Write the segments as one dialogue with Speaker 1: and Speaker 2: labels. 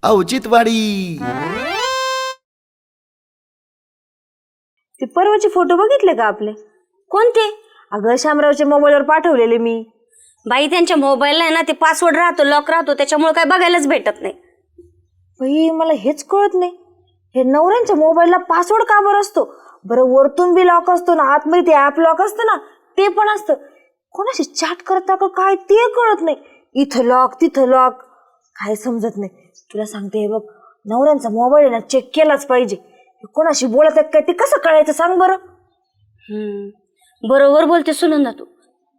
Speaker 1: औचित्यवाडी.
Speaker 2: ते परवाचे फोटो बघितले का आपले?
Speaker 3: कोणते?
Speaker 2: अगं शामरावच्या मोबाईलवर पाठवलेले मी.
Speaker 3: बाई त्यांच्या मोबाईलला आहे ना ते पासवर्ड राहतो, लॉक राहतो, त्याच्यामुळे काय बघायलाच भेटत नाही.
Speaker 2: बाई मला हेच कळत नाही, हे नवऱ्यांच्या मोबाईलला पासवर्ड का बरं असतो? बरं वरतून बी लॉक असतो ना, आतमध्ये ते ऍप लॉक असतं ना ते पण असतं. कोणाशी चॅट करता का काय ते कळत नाही. इथं लॉक तिथं लॉक, काय समजत नाही. तुला सांगते हे बघ, नवऱ्यांचा मोबाईल ना चेक केलाच पाहिजे. कोणाशी बोलत आहेत काय ते कसं कळायचं सांग बरं?
Speaker 3: बरोबर बोलते सुनंदा तू.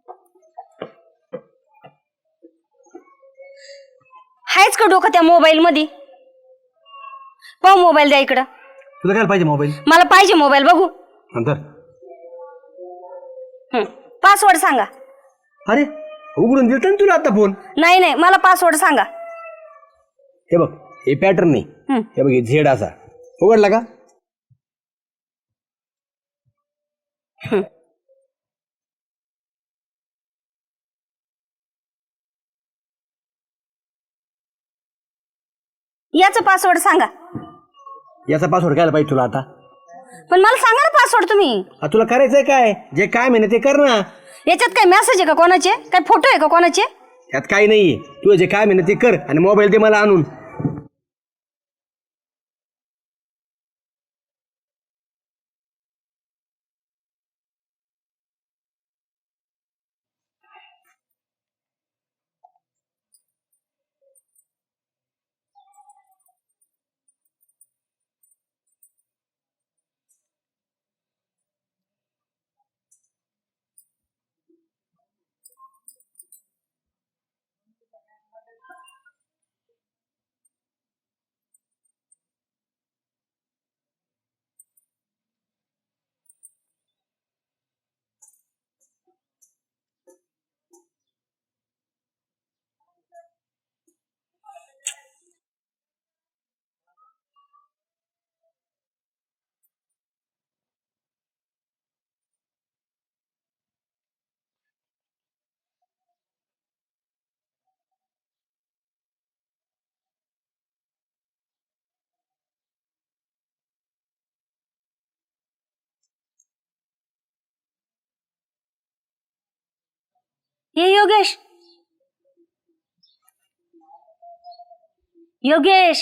Speaker 3: हायच का डोकं त्या मोबाईल मध्ये? पाहू मोबाईल द्या इकडं.
Speaker 4: तुला काय पाहिजे मोबाईल?
Speaker 3: मला पाहिजे मोबाईल, बघू.
Speaker 4: नंतर
Speaker 3: पासवर्ड सांगा.
Speaker 4: अरे उघडून दिलता ना तुला आता फोन.
Speaker 3: नाही नाही, मला पासवर्ड सांगा.
Speaker 4: हे बघ, हे पॅटर्न नाही, हे बघ, हे झेड असा उघडला का?
Speaker 3: याचा पासवर्ड सांगा.
Speaker 4: याचा पासवर्ड काय पाहिजे तुला आता?
Speaker 3: पण मला सांगा ना पासवर्ड तुम्ही.
Speaker 4: तुला करायचंय काय? जे काय म्हणे ते कर ना.
Speaker 3: याच्यात काय मेसेज आहे का कोणाचे? काय फोटो आहे का कोणाचे?
Speaker 4: त्यात काही नाहीये. तू जे काय म्हणे ते कर आणि मोबाईल दे मला आणून.
Speaker 3: हे योगेश, योगेश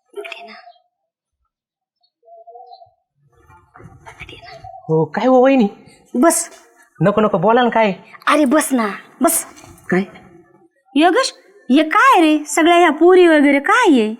Speaker 5: हो काय हो वहिनी?
Speaker 3: बस.
Speaker 5: नको नको बोला ना. काय?
Speaker 3: अरे बस ना, बस.
Speaker 5: काय
Speaker 3: योगेश, हे काय रे सगळ्या ह्या पुरी वगैरे काय आहे?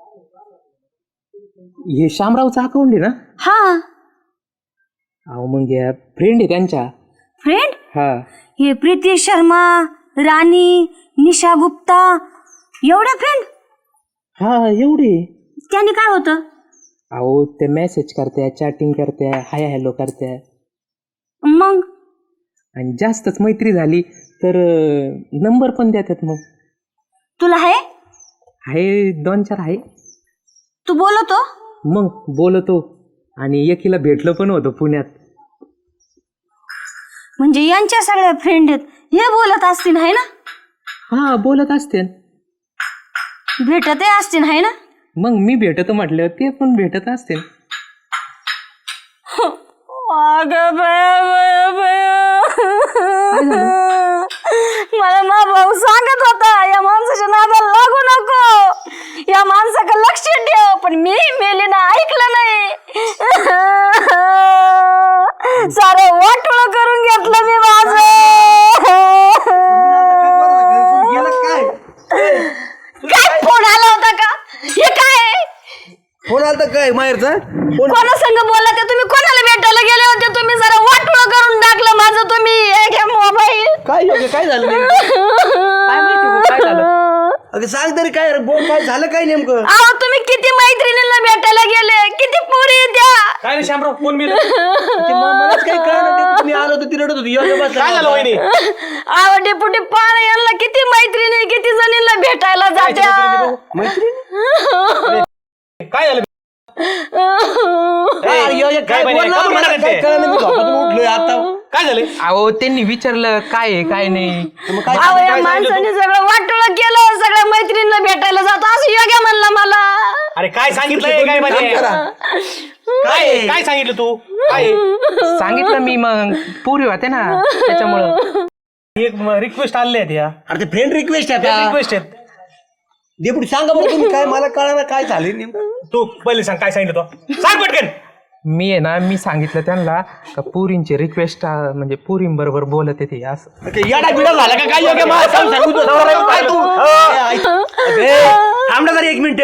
Speaker 5: हे शामरावचं अकाउंट आहे ना?
Speaker 3: हा.
Speaker 5: अहो मग या फ्रेंड आहे त्यांच्या.
Speaker 3: फ्रेंड?
Speaker 5: हा.
Speaker 3: हे प्रीती शर्मा, राणी, निशा गुप्ता, एवढ्या फ्रेंड?
Speaker 5: हा एवढे.
Speaker 3: त्यांनी काय होतं?
Speaker 5: अहो ते मेसेज करत्या, चॅटिंग करत्या, हाय हॅलो करत्या.
Speaker 3: मग
Speaker 5: आणि जास्तच मैत्री झाली तर नंबर पण देतात. मग
Speaker 3: तुला
Speaker 5: आहे 2-4 आहे.
Speaker 3: तू बोलतो?
Speaker 5: मग बोलतो आणि एकीला भेटलो पण होतो पुण्यात.
Speaker 3: म्हणजे यांच्या सगळ्या फ्रेंड आहेत, हे बोलत असतील है ना?
Speaker 5: हा बोलत असते.
Speaker 3: भेटत असतील है ना?
Speaker 5: मग मी भेटतो म्हटलं ते पण भेटत असते.
Speaker 3: मला मा भाऊ सांगत होता या माणसाच्या नादाला लागू नको, या माणसाकडे लक्ष ठेव, पण मी मेली ना, ऐकलं नाही. सारं वाटोळं करून घेतलं मी माझं. काय फोन आला होता का? हे काय
Speaker 4: फोन आला तर काय माहेरचा?
Speaker 3: कोणा संग बोलला ते? तुम्ही कोणाला भेटायला गेले होते? तुम्ही जरा वाटोळं करून टाकलं माझं. तुम्ही एक मोबाईल
Speaker 4: काय योग्य काय झालं
Speaker 5: काय माहिती काय झालं?
Speaker 4: अगं सांग तरी काय बोल, काय झालं काय नेमकं?
Speaker 3: अहो तुम्ही किती मैत्रिणींना भेटायला गेले, किती पोरी द्या.
Speaker 5: काय रे शामराव फोन मी
Speaker 4: मलाच काही कळलं. मी आलो होतो ती रडत होती.
Speaker 5: काय झालं वहिनी?
Speaker 3: अहो डेपुटी पाहणे यांना किती मैत्रिणी, किती जणींना भेटायला जात्या.
Speaker 5: काय झालं?
Speaker 4: काय
Speaker 5: काय झालं? अहो त्यांनी विचारलं काय आहे काय नाही.
Speaker 3: अहो या माणसाने सगळं वाटोळं केलं, सगळ्या मैत्रिणींना भेटायला जातो असं योग्य म्हणला मला.
Speaker 1: अरे काय सांगितलंय काय म्हणजे काय सांगितलं तू काय
Speaker 5: सांगितलं मी मग पुरी होते ना त्याच्यामुळं.
Speaker 1: एक रिक्वेस्ट आले आहेत या
Speaker 4: अरे ते फ्रेंड रिक्वेस्ट आहे आता.
Speaker 1: रिक्वेस्ट आहेत.
Speaker 4: डेपुटी सांगा बरं तुम्ही काय मला कळणार काय झाले नेमकं.
Speaker 1: तू पहिले सांग काय सांगितलं तो सांग पटकन.
Speaker 5: मी आहे ना मी सांगितलं त्यांना का पुरींची रिक्वेस्ट म्हणजे पुरींबरोबर बोलत येते असं.
Speaker 4: येडा बिडा झाला का काय योग्य मला सांगू तू काय तू थांब ना जरा एक मिनिट.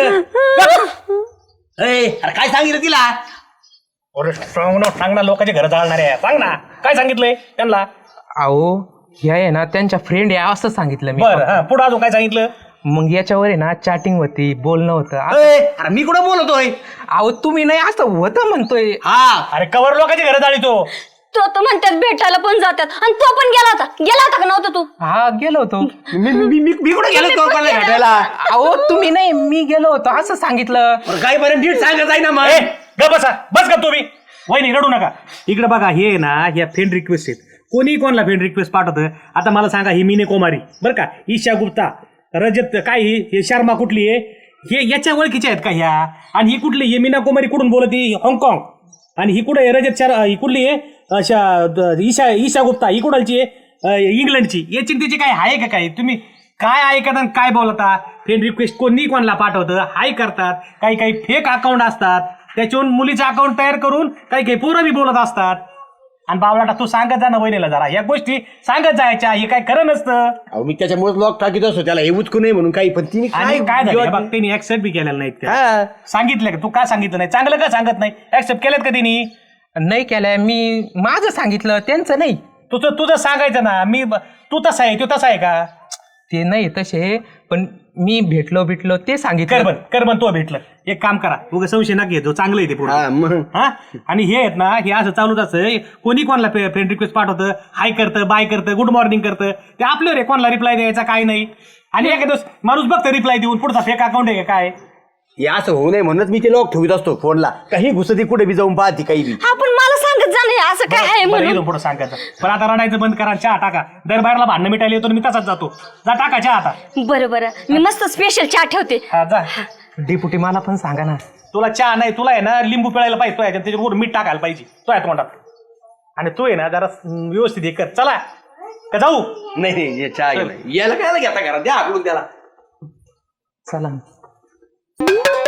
Speaker 4: अरे काय सांगितलं तिला.
Speaker 1: अरे सांग ना लोकांच्या घर जाळणार आहे सांग ना काय सांगितलंय त्यांना.
Speaker 5: अहो ह्या आहे ना त्यांच्या फ्रेंड आहे असं सांगितलं मी.
Speaker 1: बरं हा पुढे अजून काय सांगितलं.
Speaker 5: मग याच्यावर आहे ना चॅटिंग होती बोलणं होतं.
Speaker 4: अरे मी कुठं बोलतोय.
Speaker 5: अहो तुम्ही नाही असं होतं म्हणतोय.
Speaker 4: हा
Speaker 1: अरे कवर लोकांच्या घर जाळी तो
Speaker 3: तो म्हणतात भेटायला पण जातात आणि तो पण गेला होता का नव्हता तू.
Speaker 5: हा गेलो होतो.
Speaker 4: मी कुठं गेलो तो कोणाला भेटायला.
Speaker 5: अहो तुम्ही नाही मी गेलो होतो असं सांगितलं.
Speaker 4: काही पर्यंत नीट सांगत आहे ना मग.
Speaker 1: ए ग बसा बस का तुम्ही वहिनी रडू नका. इकडे बघा हे ना ह्या फ्रेंड रिक्वेस्ट आहेत. कोणी कोणाला फ्रेंड रिक्वेस्ट पाठवतं. आता मला सांगा ही मीने कुमारी बरं का ईशा गुप्ता रजत काय हे शर्मा कुठली आहे हे याच्या ओळखीच्या आहेत का ह्या. आणि ही कुठली हे मीना कुमारी कुठून बोलती हाँगकाँग. आणि ही कुठे रजत शर्मा ही कुठली आहे ईशा गुप्ता ही कुणालची आहे इंग्लंडची. याची त्याची काय आहे का काय तुम्ही काय ऐकता आणि काय बोलता. फ्रेंड रिक्वेस्ट कोणी कोणाला पाठवतं हाय करतात. काही काही फेक अकाउंट असतात त्याच्यावरून मुलीचं अकाउंट तयार करून काही काही पोरं बी बोलत असतात. आणि बावलाटा तू सांगत जा ना वहिनीला जरा या गोष्टी सांगत जायच्या हे काय खरं नसतं.
Speaker 4: अहो मी त्याच्यामुळे लॉक टाकीत असतो त्याला हे उचकू नये म्हणून काही पण तिने
Speaker 1: आणि काय झालं बघ त्यांनी ऍक्सेप्ट बी केलेलं नाहीत त्या.
Speaker 4: हा.
Speaker 1: सांगितलं का तू का सांगितलं नाही चांगलं का सांगत नाही ऍक्सेप्ट केलेत का तिने.
Speaker 5: नाही केलंय मी माझं सांगितलं त्यांचं नाही.
Speaker 1: तुझं सांगायचं ना मी तू तसा आहे तो तसा आहे का.
Speaker 5: ते नाही तसे पण मी भेटलो ते सांगितलं.
Speaker 1: करबन तो भेटलं एक काम करा उगा संशय ना घेतो चांगलं आहे ते पुढे
Speaker 4: हा, मग.
Speaker 1: हा आणि हे आहेत ना हे असं चालूच असं कोणी कोणाला फ्रेंड रिक्वेस्ट पाठवतं हाय करतं बाय करतं गुड मॉर्निंग करतं ते आपल्यावर आहे कोणाला रिप्लाय द्यायचा काय नाही. आणि एका दिवस माणूस बघतं रिप्लाय देऊन पुढचा फेक अकाउंट आहे का काय.
Speaker 4: हे असं होऊ नये म्हणूनच मी ते लॉक ठेवत असतो फोनला. काही घुसती कुठे बी जाऊन पाहती काही बी.
Speaker 3: हा पण मला सांगत जा नाही असं काय आहे म्हणून.
Speaker 1: इथून पुढे सांगायचं पण आता रडायचं बंद करा चहा टाका. दरबारला भांडणं मिटायला येतो मी तसाच जातो. जा टाका चहा आता.
Speaker 3: बरं मी मस्त स्पेशल चहा ठेवते.
Speaker 1: हा जा.
Speaker 5: डेपुटी मला पण सांगा ना.
Speaker 1: तुला चहा नाही तुला आहे ना लिंबू पिळायला पाहिजे तो याच्यात त्याच्यावर मीठ टाकायला पाहिजे तो आहे तोंडात. आणि तू आहे ना जरा व्यवस्थित हे कर चला का जाऊ.
Speaker 4: नाही हे चहा घे नाही. याला काय घेता घरात द्या आकडून त्याला.
Speaker 5: चला